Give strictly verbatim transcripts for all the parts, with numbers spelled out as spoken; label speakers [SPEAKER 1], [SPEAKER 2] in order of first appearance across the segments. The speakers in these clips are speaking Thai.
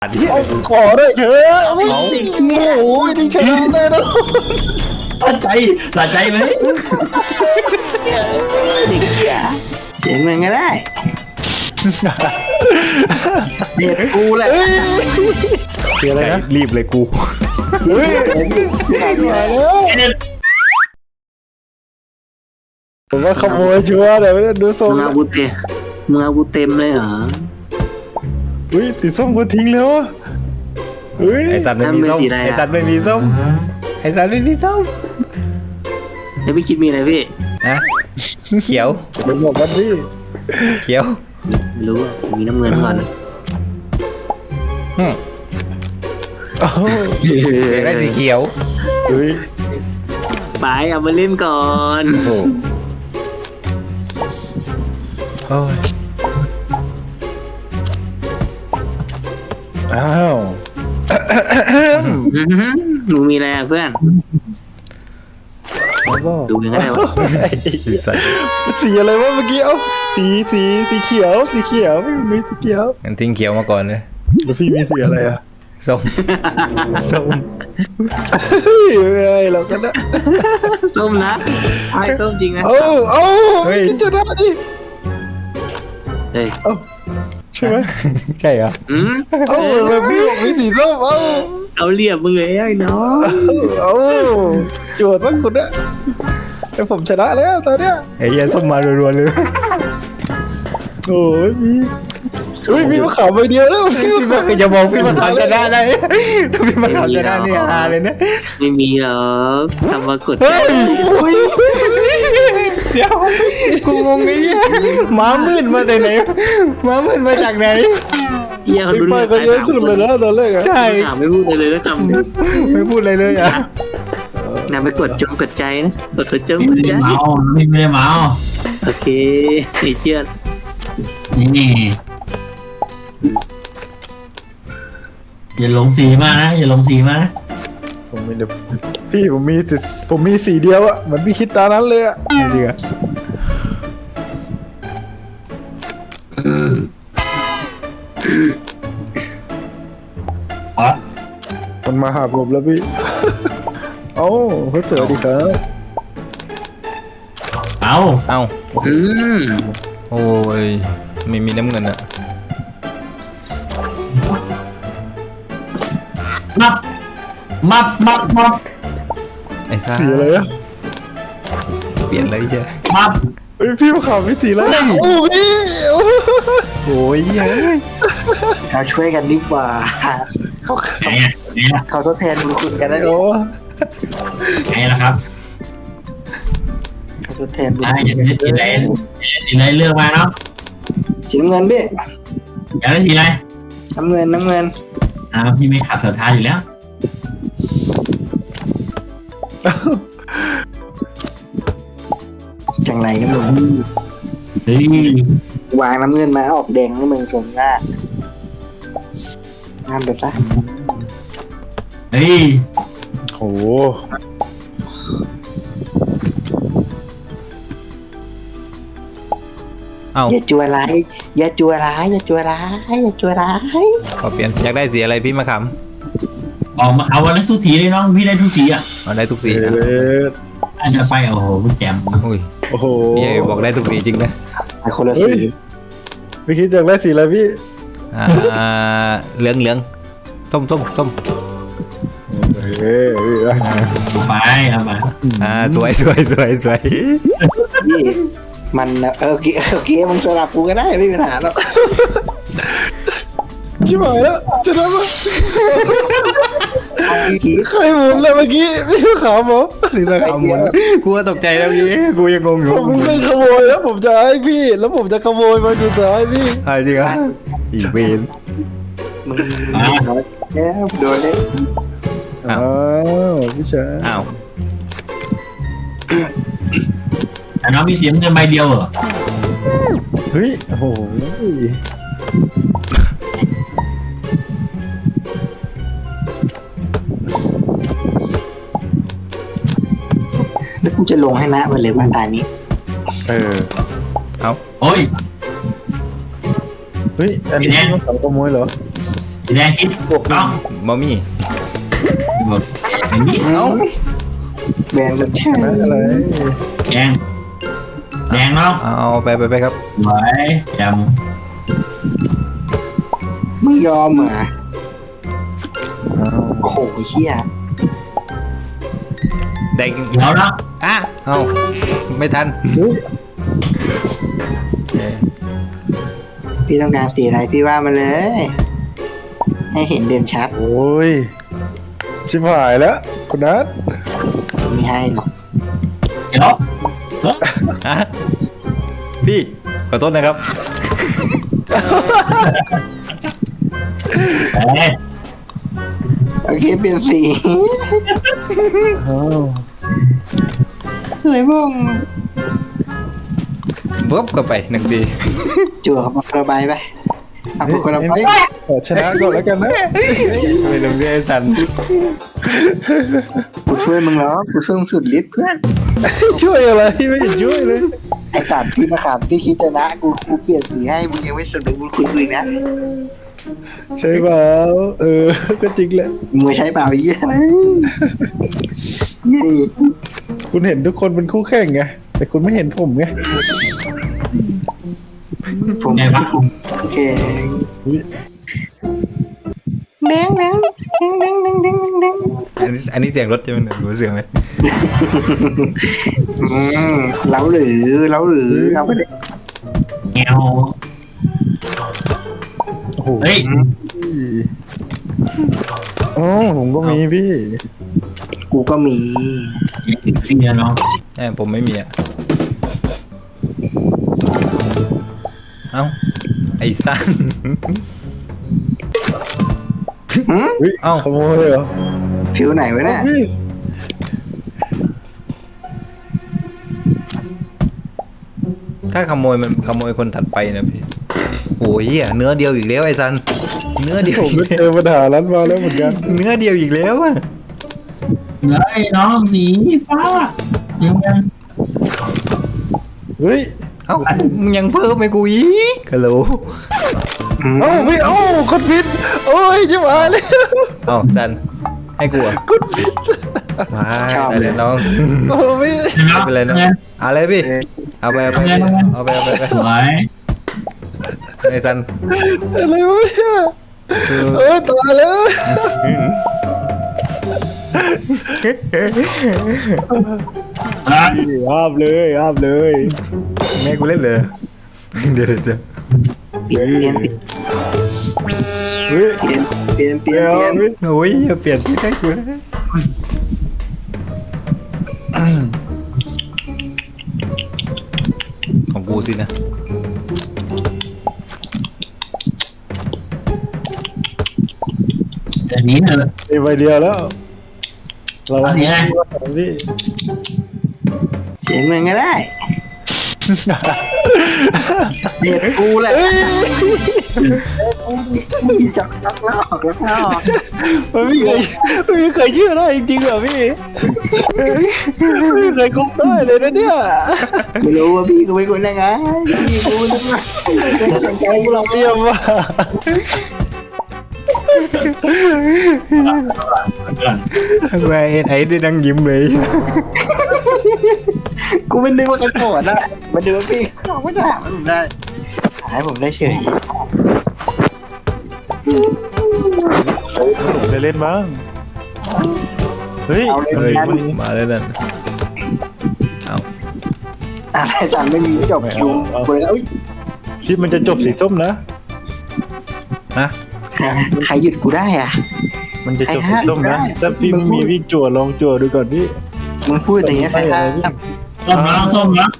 [SPEAKER 1] ขอได้เถอะโอ้โหที่ชนะเลยนะ
[SPEAKER 2] สะใจสะใจไหม
[SPEAKER 3] เสียงมันก็ได้เด็ดกูแหละ
[SPEAKER 1] เสียอะไรนะรีบเลยกูเฮ้ยผมว่าขโมยชัวร์เดี๋ยวดูทรง
[SPEAKER 3] มึงเอากูเต็มมึงเอากูเต็มเลยเหรอ
[SPEAKER 1] เฮ้ยสีส้มกูทิ้งแล้วเฮ้ยไอ้จันไม่มีส้มไอ้จันไม่มีส้มไอ้จันไม่มีส้ม
[SPEAKER 3] แล้วพี่คิดมีอะไรพี่
[SPEAKER 4] นะเขียว
[SPEAKER 1] เป็นหมวกกันพี่
[SPEAKER 4] เขียว
[SPEAKER 3] ไม่รู้มีน้ำเงินก่อน
[SPEAKER 4] ฮึได้สีเขียว
[SPEAKER 1] เฮ้ย
[SPEAKER 3] ไปเอามาเล่นก่อน
[SPEAKER 1] โอ้โอ้ยอ้าว
[SPEAKER 3] มึงมีอะไรเพื่อนดูยังไงวะ
[SPEAKER 1] สีอะไรวะเมื่อกี้เอ้าสีสีสีเขียวสีเขียวไม่มีสีเขียว
[SPEAKER 4] งั้นทิ้งเขียวมาก่อนเลย
[SPEAKER 1] แล้วพี่มีสีอะไรอ่ะ
[SPEAKER 4] ส้มส้ม
[SPEAKER 1] เฮ้ยไม่เรากันนะ
[SPEAKER 3] ส้มนะไอ้ส้มจริงนะ
[SPEAKER 1] โอ้โอ้กินจนได้ดิ
[SPEAKER 3] เฮ้ย
[SPEAKER 1] ใช่ไหม
[SPEAKER 4] ใช่เหรอ
[SPEAKER 3] อืม
[SPEAKER 1] เอ้าแบบพี่บอกมีสีส้มเอ้า
[SPEAKER 3] เอาเรียบมึงเลยไอ้น้อง
[SPEAKER 1] เอ้าจวดสักคนนะแต่ผมชนะแล้วตอนเนี้ย
[SPEAKER 4] ไอ้ยันส้มมารัวๆเลย
[SPEAKER 1] โอ้ยมีเฮ้ยมีมะขามใบเดียวแล้ว
[SPEAKER 4] พี่มาเคยจะบอกพี่มะขามชนะได้ถ้าพี่มะขามชนะนี่ฮาเลยนะ
[SPEAKER 3] ไม่มีหรอกทำมากด
[SPEAKER 4] เฮ้ยเดี๋ยวกูงงไอ้เหี้ยหมามืดมาแต่ไหนหมามืดมาจากไหน
[SPEAKER 3] เหี้ยเขาดู
[SPEAKER 1] ไปก็เยอะสุดเลยนะตอนแรกอะ
[SPEAKER 4] ใช่
[SPEAKER 3] ไม่พูดเลยนะจำ
[SPEAKER 4] ไม่พูดอะไรเลยอ่ะ
[SPEAKER 3] นำไปกดจงกดใจนะกดกดจงกดใจ
[SPEAKER 2] เมาไม่ได้เมา
[SPEAKER 3] โอเคไอ้เจี๊ยบ
[SPEAKER 2] นี่อย่าลงสีมานะอย่าลงสีมานะ
[SPEAKER 1] ผมไม่ได้พี่ผมมีผมมีสีเดียวอะเหมือนพี่คิดตานั้นเลยอะนี่ดีอะมันมาหาผมแล้วพี่เอ้าเขาเสือดีครับ
[SPEAKER 2] เอา
[SPEAKER 4] เอา
[SPEAKER 3] อืม
[SPEAKER 4] โอ้ยไม่มีน้ำเงินอะ
[SPEAKER 2] มับมับมับมับ
[SPEAKER 4] ไอ้ซ่า
[SPEAKER 1] สีอะไรอะ
[SPEAKER 4] เปลี่ยนอะไรเยอะ
[SPEAKER 2] มับ
[SPEAKER 1] เฮ้ยพี่มาข่าวพี่สีแล้วโอ้พี่
[SPEAKER 4] โอ้ยเฮ้ย
[SPEAKER 3] เราช่วยกันดีกว่าเขาเขาทดแทนบุญคุณกันได้
[SPEAKER 1] โอ้
[SPEAKER 2] ไงล่ะครับ
[SPEAKER 3] เขาทดแทนบุญ
[SPEAKER 2] คุณอย่าได้สีอะไรสีอะไรเลือกมาเนาะ
[SPEAKER 3] สีน้ำเงินพี่
[SPEAKER 2] อยากได้สีอะไร
[SPEAKER 3] น้ำเงินน้ำเงิน
[SPEAKER 2] อ่าพี่ไม่ขาดศรัทธาอยู่แล้ว
[SPEAKER 3] จังไรนะมึง
[SPEAKER 2] เฮ้ยว
[SPEAKER 3] างน้ำเงินมาออกแดงให้มึงชมหน้าห้ามไปซะ
[SPEAKER 2] เฮ้ย
[SPEAKER 1] โห
[SPEAKER 4] เอา
[SPEAKER 3] อย่าจัวร้ายอย่าจัวร้ายอย่าจัวร้ายอย่าจัวร้าย
[SPEAKER 4] ขอเปลี่ยนอยากได้สีอะไรพี่มะขาม
[SPEAKER 2] ออกมาเอาวันนั้นทุกสีเลยน้องพี่ได้ทุกสีอ่ะ
[SPEAKER 4] เอาได้ทุกสีนะ
[SPEAKER 2] อาจจะไปโอ้โหพี่แจม
[SPEAKER 4] อุ้ย
[SPEAKER 1] โอ้โห
[SPEAKER 4] พี่บอกได้ทุกสีจริงนะ
[SPEAKER 3] ไอคนละสี
[SPEAKER 1] พี่คิดอยากได้สีอะไรพี่
[SPEAKER 4] อ่าเหลืองเหลืองส้มส้มส้ม
[SPEAKER 1] เฮ้ย
[SPEAKER 2] ไปเอามา
[SPEAKER 4] อ่าสวยสวยสวยสวย
[SPEAKER 3] พี่มันเออกี้เออกี้มึงสลับกูก็ได้ไม่มีปัญหาหรอก
[SPEAKER 1] ชิบหายแล้วจะได้ไหมใครหมุนเลยเมื่อกี้พี่ขาวหมอ
[SPEAKER 4] นี่นะขาวหมุนกูก็ตกใจแล้วพี่กูยังงงอยู่
[SPEAKER 1] ผมไม่ขโมยแล้วผมจะให้พี่แล้วผมจะขโมยมาดูท้ายพี่
[SPEAKER 4] ใช่จริงอ่ะอีเวน
[SPEAKER 3] มึงแล้วโดนเลย
[SPEAKER 1] อ้าวพี่ชาย
[SPEAKER 4] อ้าว
[SPEAKER 2] แต่น้องมีเสียงเงินใบเดียวเหรอ
[SPEAKER 1] เฮ้ยโอ้โห
[SPEAKER 3] แล้วกูจะลงให้นะมันเลยว่าตานี้
[SPEAKER 1] เออ
[SPEAKER 4] เอา
[SPEAKER 2] โอ้ย
[SPEAKER 1] เฮ้ยอันนี้ต้องขโมยเหรอ
[SPEAKER 2] สีแดงคิดน้อง
[SPEAKER 1] มามี่
[SPEAKER 2] บอกอย่างนี้
[SPEAKER 1] เอ้า
[SPEAKER 3] แบนกันใช่
[SPEAKER 1] อะไร
[SPEAKER 2] แดงแดงน้อง
[SPEAKER 1] เอาไปไปไปครับ
[SPEAKER 2] ไว้จ
[SPEAKER 3] มึงยอมเหรอ
[SPEAKER 1] เอา
[SPEAKER 3] โอ้โหเฮีย
[SPEAKER 1] แดง
[SPEAKER 2] ำเดี๋ยวน้อง
[SPEAKER 1] อ่ะเอาไม่ทัน
[SPEAKER 3] พี่ต้องการสีอะไรพี่ว่ามาเลย ให้เห็นเด่นชัด
[SPEAKER 1] โอ้ยชิบหายแล้วคุณนัท
[SPEAKER 3] ไม่ให้หรอก
[SPEAKER 2] เดี๋ยว
[SPEAKER 1] อ่ะพี่ขอโทษนะครับ
[SPEAKER 2] เอ้ย
[SPEAKER 3] โอเคเปลี่ยนสีสวยบ้ง
[SPEAKER 1] เวิบก็ไปหนึ่งที
[SPEAKER 3] จั่วเขามาระบายไปเอาพวกคนละไป
[SPEAKER 1] ขอชนะก่อนแล้วกันนะไม่ลงเรียนสัน
[SPEAKER 3] กูช่วยมึงแล้วกูช่วยมึงสุดฤทธิ์เพื่อน
[SPEAKER 1] ช่วยอะไรไม่เห็นช่วยเลย
[SPEAKER 3] ไอ้สามพี่มาขามที่คิดจะนะกูกูเปลี่ยนสีให้มึงยังไม่สนุกมึงคุยคุยนะ
[SPEAKER 1] ใช่เปล่าเออก็จริงแหละ
[SPEAKER 3] มึงไม่ใช้เปล่าไอ้เหี้ยนี่
[SPEAKER 1] คุณเห็นทุกคนเป็นคู่แข่งไงแต่คุณไม่เห็นผมไง
[SPEAKER 3] ผม
[SPEAKER 2] ไงวะ
[SPEAKER 3] โอเคแดงแดงแดงแดงแดงแดง
[SPEAKER 1] อันนี้อันนี้เสียงรถใช่ไหมหรือเสียงอะไร
[SPEAKER 3] อืมเล้าหรือเล้าหรือเอาไปเลย
[SPEAKER 2] แงว
[SPEAKER 1] โอ้โห
[SPEAKER 2] เฮ้ย
[SPEAKER 1] อ๋อผมก็มีพี่
[SPEAKER 3] กูก็มี
[SPEAKER 2] เสียน้อง
[SPEAKER 1] แอบผมไม่มีอ่ะเอ้าไอ้สั้น
[SPEAKER 3] หืม
[SPEAKER 1] เอ้าขโมยเลยเหรอ
[SPEAKER 3] ผิวไหนวะเนี่ย
[SPEAKER 1] ถ้าขโมยมันขโมยคนถัดไปนะพี่โอ้ยเหี้ยเนื้อเดียวอีกแล้วไอ้ซันเนื้อเดียว
[SPEAKER 5] ผมก็เจอปัญหานั้นมาแล้วเหมือนกัน
[SPEAKER 1] เนื้อเดียวอีกแล้วอะ
[SPEAKER 2] เฮ้ยน้องสีฟ้ายังยัง
[SPEAKER 5] เฮ้ย
[SPEAKER 1] เอ้ามึงยังเพิ่มไปกูอีกฮัลโหล
[SPEAKER 5] เอ้าไม่เอ้าคนผิดโอ้ยจะมาเลย
[SPEAKER 1] เอ้าซันให้กูอ่ะ
[SPEAKER 5] คนผิด
[SPEAKER 1] มาได้เลยน้อง
[SPEAKER 5] โอ้ไม่
[SPEAKER 1] ไม่เป็นไรน้องเอาเลยพี่เอาไปเอาไปเอาไปเอาไปเอาไป
[SPEAKER 2] สวย
[SPEAKER 1] ไอ้ซัน
[SPEAKER 5] อะไรวะเนี่ยเออตายแล้ว
[SPEAKER 2] อ่ะ
[SPEAKER 5] ห้ามเลยห้ามเลย
[SPEAKER 1] แม่กูเล่นเลยเดี๋ยวเดี๋ยว
[SPEAKER 3] เปลี่ยนเปลี่ยน
[SPEAKER 5] เฮ้ย
[SPEAKER 3] เปลี่ยนเปลี่ยนเปลี่ยน
[SPEAKER 5] เดี๋ยว
[SPEAKER 3] เปลี่ยน
[SPEAKER 1] โอ้ยอย่าเปลี่ยนที่ให้กูนะของกูสินะ
[SPEAKER 2] เดี๋ยวนี้เถอะ
[SPEAKER 5] มีใบเดียวแล้วเรา
[SPEAKER 2] อันนี้ไง
[SPEAKER 5] พี่
[SPEAKER 3] เสียงเงินก็ได้เด็ดกูแหละมีจับลักลอกลักลอก
[SPEAKER 5] มันไม่เคยไม่เคยเชื่อได้จริงๆเหรอพี่ไม่เคยคบได้เลยนะเนี่ย
[SPEAKER 3] ไม่รู้ว่าพี่กูเป็นคนยังไงพี่กูนึกว่าเป็นใจกูหรอก
[SPEAKER 5] เยี่ยมว่ะ
[SPEAKER 1] แม่ไอ้ได้ดังยิ้มเลย
[SPEAKER 3] กูไม่นึกว่ากันโกรธนะมาดูพี่เขาไม่ได้ผมได้หายผมได้เฉย
[SPEAKER 5] ผมจะเล่นบ้างเฮ้ย
[SPEAKER 3] เอาเลย
[SPEAKER 1] เฮ้ย
[SPEAKER 3] กัน
[SPEAKER 1] มาแล้วนั่นเอา
[SPEAKER 3] อะไรจันไม่มีจบคิวเปิดแล้วอุ้ย
[SPEAKER 5] คลิปมันจะจบสีส้มนะ
[SPEAKER 1] นะ
[SPEAKER 3] ใครหยุดกูได้อ่ะ
[SPEAKER 5] มันจะจบสีส้มนะ
[SPEAKER 3] ไอ้ห้า
[SPEAKER 5] ถ้าพี่ไม่มีวิ่งจั่วลองจั่วดูก่อนพี่
[SPEAKER 3] มึงพูดอย่างเงี้ยใครห้าม
[SPEAKER 2] ส้มน้องส้มนะ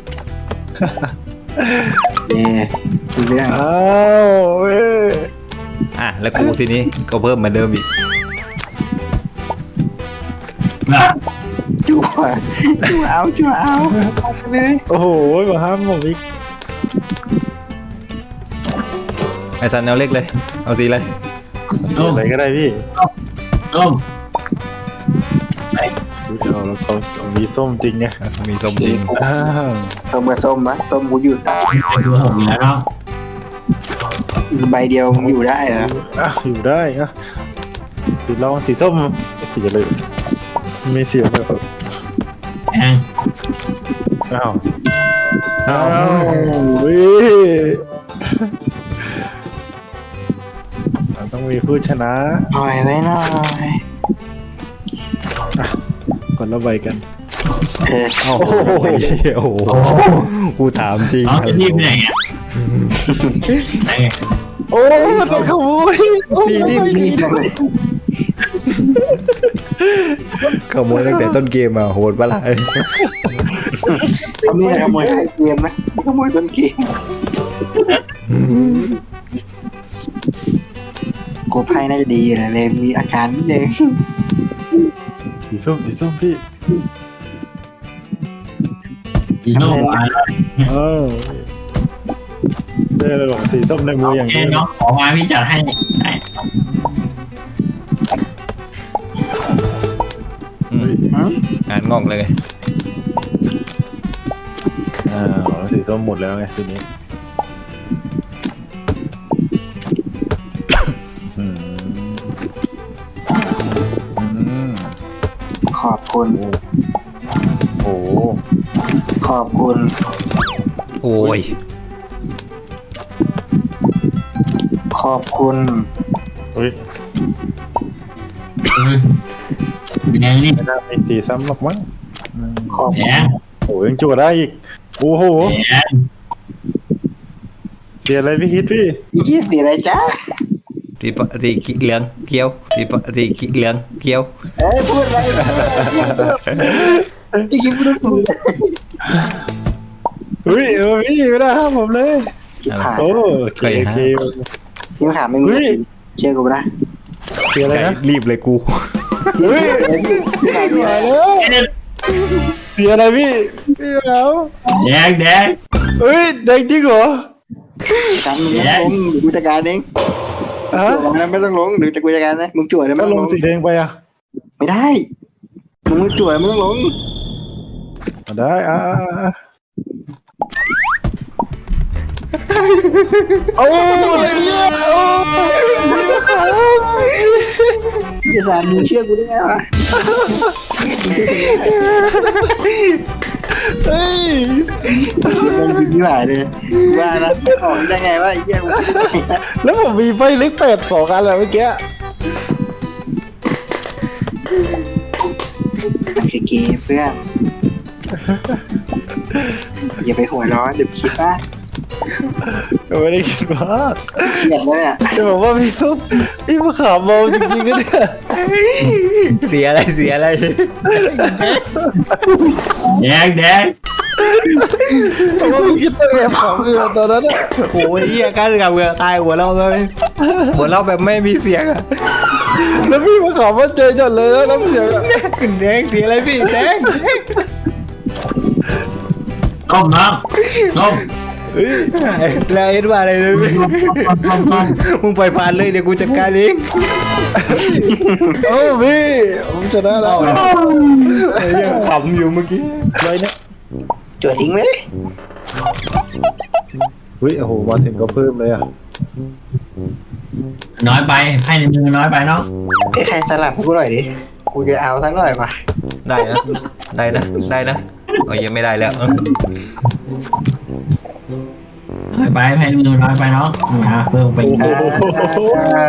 [SPEAKER 3] เนี่ยดูเรื่อง
[SPEAKER 5] อ้าวเว้ย
[SPEAKER 1] อ่ะแล้วกูทีนี้ก็เพิ่มเหมือนเดิมอีก
[SPEAKER 2] นะ
[SPEAKER 3] จั่วจั่วเอาจั่วเอาเลย
[SPEAKER 5] โอ้โหมาห้ามผมอีก
[SPEAKER 1] ไอ้ซันเอาเล็กเลยเอาสีอะไร
[SPEAKER 2] ส้ม
[SPEAKER 5] อะไรก็ได้พี่
[SPEAKER 2] ส้ม
[SPEAKER 5] ดูเดี๋ยวเราเขาเรามีส้มจริงไง
[SPEAKER 1] มีส้มจริง
[SPEAKER 5] อ้าว
[SPEAKER 3] ส้มกับส้มวะส้มกูหยุด
[SPEAKER 2] ตัวผมอยู่แล้วเนาะ
[SPEAKER 3] ใบเดียวมึงอยู่ได้เหรอ
[SPEAKER 5] อ่ะอยู่ได้อ่ะสีลองสีส้มสีอะไรไม่เสียแบบ
[SPEAKER 2] แอง
[SPEAKER 5] อ้าว
[SPEAKER 1] อ้า
[SPEAKER 5] อ้าว
[SPEAKER 1] ว
[SPEAKER 5] เว้ยมันต้องมีผู้ชนะ
[SPEAKER 3] หน่อยไว้หน่อย
[SPEAKER 5] คนละใบกัน
[SPEAKER 3] เออ
[SPEAKER 1] โอ้โหโอ้โหกูถามจริง
[SPEAKER 2] น้องจะรีบไปไหนอ่ะไหน
[SPEAKER 5] โอ้โดนขโมย
[SPEAKER 1] พี่รีบ
[SPEAKER 3] รีบเลย
[SPEAKER 1] ขโมยตั้งแต่ต้นเกมอ่ะโหดปะล่ะ
[SPEAKER 3] เขาไม่ได้ขโมยท้ายเกมนะขโมยต้นเกมกูไพ่น่าจะดีนะเลยมีอาการนิดนึง
[SPEAKER 5] สีส้มสีส้มพี่
[SPEAKER 2] อีโน่มา
[SPEAKER 5] เออได้เลยบอกสีส้มในมืออย่าง
[SPEAKER 2] แค่
[SPEAKER 5] นี้
[SPEAKER 2] น้องขอมาพี่จัดให้ได้
[SPEAKER 1] อืมงานงอกเลย
[SPEAKER 5] อ่าสีส้มหมดแล้วไงทีนี้อืมอืม
[SPEAKER 3] ขอบคุณ
[SPEAKER 5] โอ้โห
[SPEAKER 3] ขอบคุณ
[SPEAKER 1] โอ้ย
[SPEAKER 3] ขอบคุณ
[SPEAKER 5] เฮ้ย
[SPEAKER 2] แดงนี่
[SPEAKER 5] ไม่น่ามีสีซ้ำหรอกมั้งอืม
[SPEAKER 3] ขอบ
[SPEAKER 2] แด
[SPEAKER 3] คุณ
[SPEAKER 2] ง
[SPEAKER 5] โอ้ยยังจั่วได้อีกโอ้โห
[SPEAKER 2] แดง
[SPEAKER 5] เสียอะไรพี่ฮิตพี่
[SPEAKER 3] ยี่สิบอะไรจ้า
[SPEAKER 1] รีปรีเหลืองเขียวรีปรีเหลืองเขียว
[SPEAKER 3] เอ้ยพูดอะไรที่คิดไม่รู้
[SPEAKER 5] เฮ้ยเออพี่ไม่ได้ห้ามผมเลย
[SPEAKER 3] ผ่าน
[SPEAKER 5] โอ้โอเคโอเค
[SPEAKER 3] ที่ผ่านไม่มีเชื่อกูไม่ได้
[SPEAKER 5] เสียอะไร
[SPEAKER 1] ใจ
[SPEAKER 5] นะ
[SPEAKER 1] รีบเลยกู
[SPEAKER 5] เฮ้ย
[SPEAKER 3] ที่ผ่านไม่
[SPEAKER 5] มา
[SPEAKER 3] ได้
[SPEAKER 5] แล้วเสียอะไรพี่พี่แล้ว
[SPEAKER 2] แดงแดง
[SPEAKER 5] เฮ้ยแดงจริงเหรอ
[SPEAKER 3] จำมึงไม่ล้มกูจัดการเอง
[SPEAKER 5] ฮะ
[SPEAKER 3] จั่วนะไม่ต้องลงหรือจะกูจัดการนะมึงจั่วเลยไม่
[SPEAKER 5] ถ้า
[SPEAKER 3] ต้อง
[SPEAKER 5] ล
[SPEAKER 3] ล
[SPEAKER 5] ง
[SPEAKER 3] ง
[SPEAKER 5] สีแดงไปอ่ะ
[SPEAKER 3] ไม่ได้มึงไม่จั่วไม่ต้องลง
[SPEAKER 5] ได้อ่าโอ้ยเนี่ยโอ้
[SPEAKER 3] พี่สารมึงเชื่อกูได้ไงวะ
[SPEAKER 5] เฮ้ย
[SPEAKER 3] มันดีที่หายเลยว่านะออกได้ไงวะไอ้เหี้ยกู
[SPEAKER 5] แล้วผมมีไฟเล็กแปดสองอันแล้วเมื่อกี้
[SPEAKER 3] เก๋ๆเพื่อนอย่าไปหัวร้อนเดี๋ยวคิดว่า
[SPEAKER 5] ไม่ได้คิดว่า
[SPEAKER 3] เกลียดเลยอ่ะ
[SPEAKER 5] จะบอกว่าพี่ซุปพี่มะขามเมาจริงๆนะเนี่ย
[SPEAKER 1] เสียอะไรเสียอะไร
[SPEAKER 2] แดงแดง
[SPEAKER 5] เพราะว่าพี่คิดตัวแอบขำอยู่ตอนนั้นอะ
[SPEAKER 1] โอ้ยเหี้ยกันกับเงือตายหัวเราเลยหัวเราแบบไม่มีเสียงอะ
[SPEAKER 5] แล้วพี่มะขามมาเจอจัดเลยแล้วน้ำเสียงอะ
[SPEAKER 1] แดงเสียอะไรพี่แดง
[SPEAKER 2] ต้มน้องต้ม
[SPEAKER 5] เฮ้ย
[SPEAKER 1] แล้วเอ็ดว่าอะไรเลยพี่
[SPEAKER 2] ต้มต้มต้ม
[SPEAKER 1] มึงปล่อยผ่านเลยเดี๋ยวกูจัดการเอง
[SPEAKER 5] โอ้พี่ผมชนะแล้ว
[SPEAKER 1] ไอ้เหี้ยขำอยู่เมื่อกี้
[SPEAKER 5] ไว้เนี่ย
[SPEAKER 3] จั่วทิ้งไหม
[SPEAKER 5] เฮ้ยโอ้โหมาถึงก็เพิ่มเลยอ่ะ
[SPEAKER 2] น้อยไปไพ่ในมือน้อยไปเนาะ
[SPEAKER 3] ไอ้ใครสลับกูหน่อยดิกูจะเอาทั้งหน่อยมา
[SPEAKER 1] ได้นะได้นะได้นะโอ้ยยังไม่ได้แล้ว
[SPEAKER 2] น้อยไปไพ่ในมือน้อยไปเนาะอ่ะเพิ่มไปอีก
[SPEAKER 3] อ่า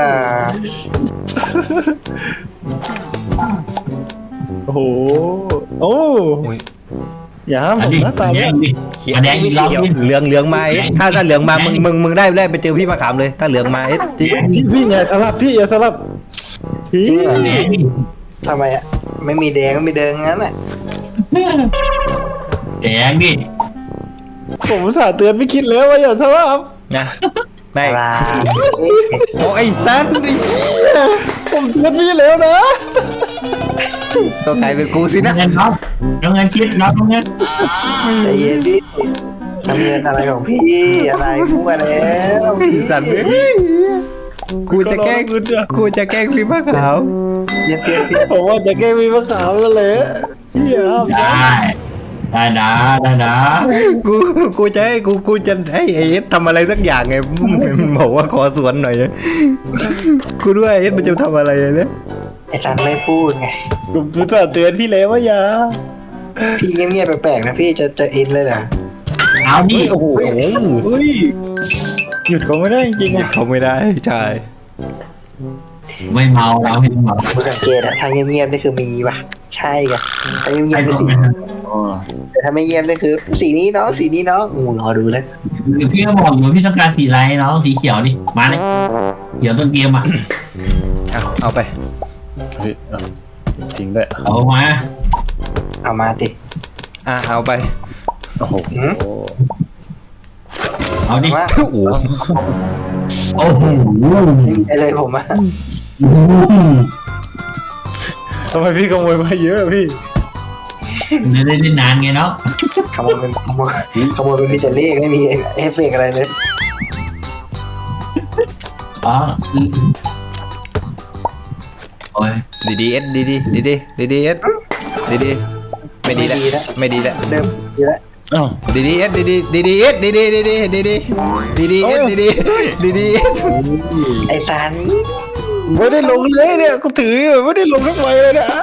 [SPEAKER 5] โอ้โหโอ้
[SPEAKER 1] โอ้ย
[SPEAKER 5] อย่าห้ามผ
[SPEAKER 2] อัน
[SPEAKER 5] ม
[SPEAKER 2] นี้
[SPEAKER 5] นะตาม
[SPEAKER 2] แด
[SPEAKER 5] นะ
[SPEAKER 2] งดิ
[SPEAKER 1] เขียว
[SPEAKER 2] อันแดงอีกรอบ
[SPEAKER 1] เขียว
[SPEAKER 2] ดิ
[SPEAKER 1] เหลืองเหลืองมาเอ็ดถ้าถ้าเหลืองมามึงมึงมึงได้ได้ไปเจอพี่มะขามเลยถ้าเหลืองมาเอ็ดจริง
[SPEAKER 5] พี่พี่อย่าสลับพี่อย่าสลับพี่
[SPEAKER 2] แดงดิ
[SPEAKER 3] ทำไมอ่ะไม่มีแดงก็ไม่เดินงั้นอ่ะ
[SPEAKER 2] แดงดิ
[SPEAKER 5] ผมอุตสาห์เตือนไม่คิดแล้วว่าอย่าสลับ
[SPEAKER 1] นะได้
[SPEAKER 3] อะไร
[SPEAKER 1] โอ้ไอ้สัตว์
[SPEAKER 5] ผมเตือนพี่แล้วนะ
[SPEAKER 1] ก็กลายเป็นกูสิ
[SPEAKER 2] น้
[SPEAKER 1] นะ
[SPEAKER 2] องเงินเนาะน้องเงินคิดน้องเงิน
[SPEAKER 3] ใจเย็นดิทำเงินอะไรของพี่อะไรพูดมาแล้ว
[SPEAKER 1] สัตว์กูจะแกล้งกูจะแกล้งพี่มะขาม
[SPEAKER 3] อย่าเปลี่ยนพี่
[SPEAKER 5] ผมว่าจะแกล้งมีมะขามแล้วแหละพี่อย่าห้าม
[SPEAKER 2] ได้ได้นะได้นะ
[SPEAKER 4] กูกูจะให้กูกูจะให้ไอ้เอสทำอะไรสักอย่างไงมันบอกว่าขอสวนหน่อยนะกูด้วยไอ้เอสมันจะทำอะไรเนี่ย
[SPEAKER 3] ไอ้ซันไม่พูดไง
[SPEAKER 5] ผมจะเตือนพี่แล้วว่าอย่า
[SPEAKER 3] พี่เงียบๆแปลกๆนะพี่จะจะอินเลยเหรอ
[SPEAKER 2] เอาดิ
[SPEAKER 5] โอ้โหเฮ้ยหยุดเขาไม่ได้จริงๆอ่ะ
[SPEAKER 4] เขาไม่ได้ใช่
[SPEAKER 2] ไม่เมาเราไม่เมา
[SPEAKER 3] กูสังเกตอะถ้าเงียบๆนี่คือมีป่ะใช่ไงถ้าเงีย
[SPEAKER 2] ไอ้
[SPEAKER 3] บๆ
[SPEAKER 2] พ
[SPEAKER 3] เป็น
[SPEAKER 2] วก
[SPEAKER 3] สี
[SPEAKER 2] นั้น
[SPEAKER 3] แต่ถ้าไม่เงียบนี่คือ สีนี้น้องสีนี้น้องอูรอดูเลย
[SPEAKER 2] คือพี่ก็บอกอยู่พี่ต้องการสีอะไรเนาะสีเขียวดิมาเลยเขียวต้นเกมอ่ะ
[SPEAKER 4] เอาเอาไป
[SPEAKER 5] เฮ้ยเอาจริงด้วย
[SPEAKER 2] เอามา
[SPEAKER 3] เอามาติ
[SPEAKER 4] อ่ะเอาไป
[SPEAKER 5] โอ้โห
[SPEAKER 2] เอาดิ
[SPEAKER 3] ว่า
[SPEAKER 4] โอ้โห
[SPEAKER 2] โอ้โห
[SPEAKER 3] ไอเลยผมอะ
[SPEAKER 5] ทำไมพี่ขโมยมาเยอะพี่
[SPEAKER 2] ไม่ได้เล่นนานไงเนาะ
[SPEAKER 3] ขโมยเป็นขโมยขโมยเป็นมีแต่เลขไม่มีเอฟเฟกต์อะไรเลย
[SPEAKER 2] อ๋อโอ้ย
[SPEAKER 4] ดีดีเอสดีดีดีดีดีดีเอสดีดีไม่ดีแล้วไม่ดีแล้ว
[SPEAKER 3] เดิมดีแล้ว
[SPEAKER 5] อ้าว
[SPEAKER 4] ดีดีเอสดีดีดีดีเอสดีดีดีดีดีดีดีดีเอสดีดีดีดีเอส
[SPEAKER 3] ไอ้ซัน
[SPEAKER 5] ไม่ได้ลงเลยเนี่ยกูถืออยู่ไม่ได้ลงทั้งใบเลยนะ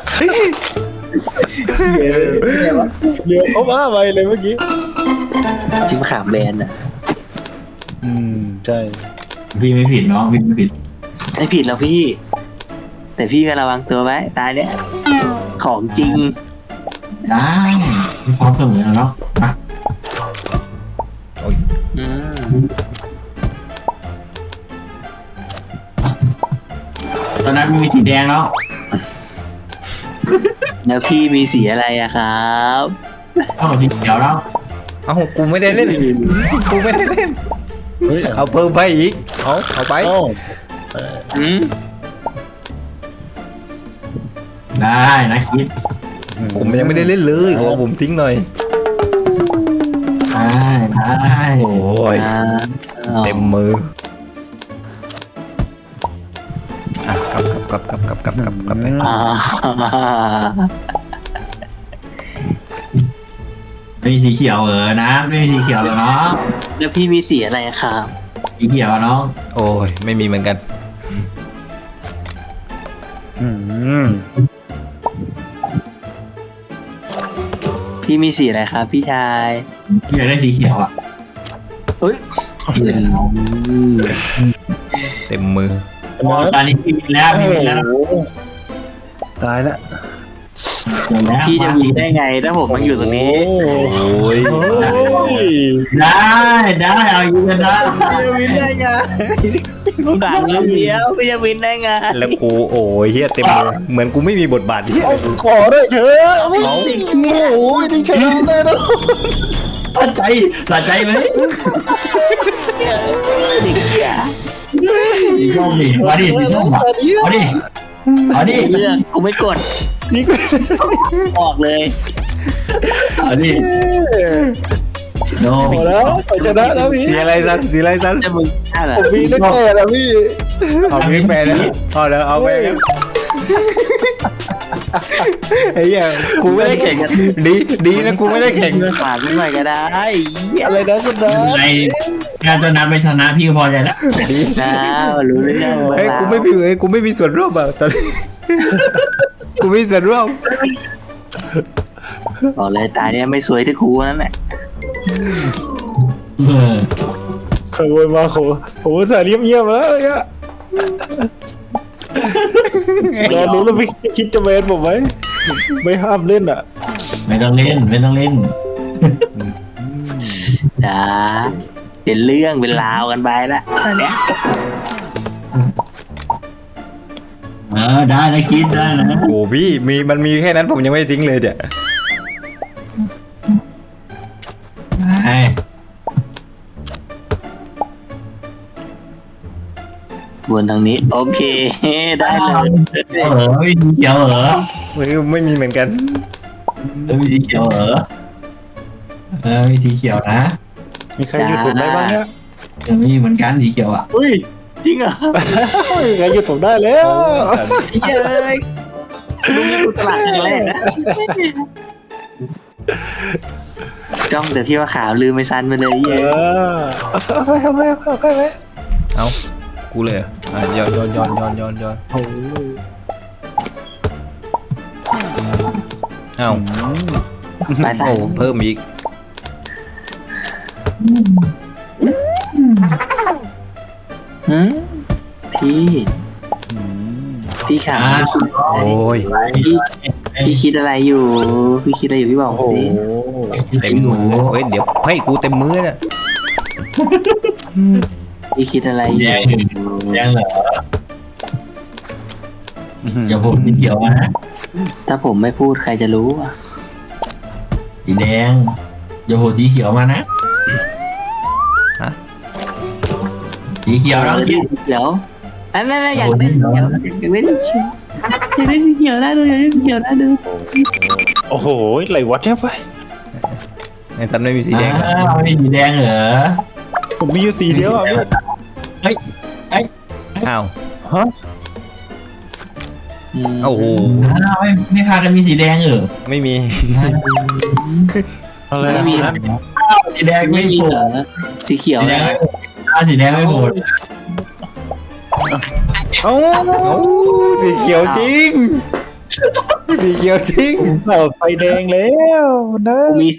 [SPEAKER 5] เดี๋ยวเขามาใบเลยเมื่อกี้
[SPEAKER 3] พิมพ์ขามแบนอะ
[SPEAKER 5] อืมใช่
[SPEAKER 2] พี่ไม่ผิดเนาะพี่ไม่ผิด
[SPEAKER 3] ไม่ผิดแล้วพี่ แต่พี่ก็ระวังตัวไว้ตายเนี่ยของจริง
[SPEAKER 2] ได้มีความเสมอเนาะมา
[SPEAKER 3] อืม
[SPEAKER 2] ตอนนั้นมีสีแดงแล้ว
[SPEAKER 3] แล้วพี่มีสีอะไรอะครับ
[SPEAKER 2] เท่ากับสีเขียวแล้ว
[SPEAKER 4] เอ้ากูไม่ได้เล่นกูไม่ได้เล่น
[SPEAKER 5] เฮ้ย
[SPEAKER 4] เอาเพิ่มไปอีกเอาเอาไป
[SPEAKER 5] เอ้า
[SPEAKER 3] อืม
[SPEAKER 2] ได้นะคิด
[SPEAKER 4] ผมยังไม่ได้เล่นเลยขอผมทิ้งหน่อย
[SPEAKER 2] ได้ได้
[SPEAKER 4] โอ้ย
[SPEAKER 3] อ่า
[SPEAKER 4] เต็มมืออ่ะกลับกลับกลับกลับกลับกลับกลับไป
[SPEAKER 3] อ่า
[SPEAKER 2] ไม่มีสีเขียวเออนะไม่มีสีเขียวเลยเนาะ
[SPEAKER 3] แล้วพี่มีสีอะไรครับ
[SPEAKER 2] สีเขียวเนาะ
[SPEAKER 4] โอ้ยไม่มีเหมือนกัน
[SPEAKER 5] อืม
[SPEAKER 3] พี่มีสีอะไรครับ พี่ชาย
[SPEAKER 2] พี่อยากได้สีเขียวอ่ะ
[SPEAKER 3] เฮ้ย
[SPEAKER 4] เต็มมือ
[SPEAKER 2] ตอนนี้พี่มีแล้วพี่มีแล้ว
[SPEAKER 5] โอ้โหตายละ
[SPEAKER 3] พี่จะมีได้ไงถ้าผมมันอยู่ตรงนี้
[SPEAKER 4] โอ้ย
[SPEAKER 5] โอ้ย
[SPEAKER 2] ได้ได้เอาอยู่กันได้
[SPEAKER 3] พี่จะวินได้ไงผมด่าเรื่องเดียวพี่จะวินได้ไง
[SPEAKER 4] แล้วกูโอ้ยเฮียเต็มมือเหมือนกูไม่มีบทบาทเฮีย
[SPEAKER 5] ขอด้วยเถอะโอ้โหไม่ได้ชนะเลยนะ
[SPEAKER 2] สะใจสะใจไหม
[SPEAKER 3] เด็กเหี้ย
[SPEAKER 2] สีส้มดิมาดิสีส้มอ่ะเอาดิเอาดิ
[SPEAKER 3] เลือกกูไม่กด
[SPEAKER 5] นี่กู
[SPEAKER 3] ออกเลย
[SPEAKER 2] เอาดิโน
[SPEAKER 5] พอแล้วไปชนะแล้วพี่
[SPEAKER 4] สีอะไรสันสีอะไรสัน
[SPEAKER 3] จะมึงฆ่าเหรอ
[SPEAKER 5] ผมมีเล็กแก่แล้วพี่
[SPEAKER 4] เอาไม่แปลนะเอาแล้วเอาไปกันไอ้เหี้ยกูไม่ได้แข่งดีดีนะกูไม่ได้แข่ง
[SPEAKER 3] ฝากหน่อยก็ได้
[SPEAKER 5] อะไรนะคุณน้า
[SPEAKER 2] ในงานตัวนั้นไปชนะพี่ก็พอใจแล้ว
[SPEAKER 4] ดี
[SPEAKER 3] นะรู้เรื่อง
[SPEAKER 4] เอ้ยกูไม่มีเอ้ยกูไม่มีส่วนร่วมอ่ะตอนนี้กูไม่มีส่วนร่วม
[SPEAKER 3] บอกเลยตาเนี่ยไม่สวยที่ครูนั่นแหละ
[SPEAKER 2] เออ
[SPEAKER 5] ขโมยมาโหโหสายเงียบๆแล้วเนี่ยรอรู้แล้วพี่คิดจะเวนผมไหมไม่ห้ามเล่นอ่ะ
[SPEAKER 2] ไม่ต้องเล่นไม่ต้องเล่น
[SPEAKER 3] จ้าเป็นเรื่องเป็นราวกันไปละตอนเนี้ย
[SPEAKER 2] เออได้นะคิดได้นะ
[SPEAKER 4] โอ้พี่มีมันมีแค่นั้นผมยังไม่ทิ้งเลยเดี๋ย
[SPEAKER 2] ไอ้
[SPEAKER 3] วนทางนี้ โอเค ได้เลย
[SPEAKER 2] เออไม่มีเขียวเหรอ
[SPEAKER 4] ไม่ไม่มีเหมือนกัน
[SPEAKER 2] ไม่มีสีเขียวเหรอเออมีสีเขียวนะ
[SPEAKER 5] มีใครหยุดผมได้บ้างเนี่ย
[SPEAKER 2] เดี๋ยวมีเหมือนกันสีเขียวอ่ะ
[SPEAKER 3] อุ้ย จริงเหรอ
[SPEAKER 5] มีใครหยุดผมได้แล้ว
[SPEAKER 3] เย้ยลุงนี่กูตลาดครั้งแรกนะจ้องแต่ที่ว่าขาวลืมไม่ซันไปเลย
[SPEAKER 5] เอ
[SPEAKER 3] เย้
[SPEAKER 5] อเอาไปเอาไปเอาไปเอาไป
[SPEAKER 4] เอากูเลยเหรออ่ะย้อนย้อนย้อนย้อนย้อนย้อน
[SPEAKER 5] โอ้
[SPEAKER 4] เอา
[SPEAKER 3] ไปซัน
[SPEAKER 4] โอ้เพิ่มอีก
[SPEAKER 3] หืมพี่พี่ขาว
[SPEAKER 4] โอ้ย
[SPEAKER 3] พี่พี่คิดอะไรอยู่ พี่คิดอะไรอยู่พี่บอก
[SPEAKER 5] โห
[SPEAKER 3] สิ
[SPEAKER 4] เต็มมือเฮ้ยเดี๋ยวให้กูเต็มมือเนี่ย
[SPEAKER 3] พี่คิดอะไรอยู่
[SPEAKER 2] แดงแดงเหรออย่าพูดสีเขียวมานะ
[SPEAKER 3] ถ้าผมไม่พูดใครจะรู้อ่ะ
[SPEAKER 2] สีแดงอย่าพูดสีเขียวมานะ
[SPEAKER 4] ฮะ
[SPEAKER 2] สีเขียวแล้ว
[SPEAKER 3] สีเขียวอันนั้นนะอยากได้สีเขียวอยากได้สีเขียวอยากได้สีเขียวได้ดูอยากได้สีเขียวได้ดู
[SPEAKER 5] โอ้โหไหลวัดเนี่ยไป
[SPEAKER 4] ไอ้ตันไม่มีสีแดงเหรอ
[SPEAKER 2] อ้าวไม่สีแดงเหรอ
[SPEAKER 5] ผมมีอยู่สีเดียวอ่ะพี่
[SPEAKER 4] อ้าว
[SPEAKER 5] ฮะ
[SPEAKER 4] โอ้โห
[SPEAKER 2] อ้าวไม่ไม่พากันมีสีแดงเหรอ
[SPEAKER 4] ไม่มี
[SPEAKER 5] อะไร
[SPEAKER 3] ไม่มี
[SPEAKER 5] นะ
[SPEAKER 2] สีแดง
[SPEAKER 3] ไม่
[SPEAKER 2] ไม่
[SPEAKER 3] มี
[SPEAKER 2] โผล่
[SPEAKER 3] เหรอสีเขียว
[SPEAKER 2] สีแด
[SPEAKER 3] นะ
[SPEAKER 2] งไม่โผล่อ้าวสีแดงไม่โผล่
[SPEAKER 5] เอ้า
[SPEAKER 4] โอ้สีเขียวจริง สีเขียวจริง
[SPEAKER 5] เปิดไฟแดงแล้วนะ
[SPEAKER 3] กูมี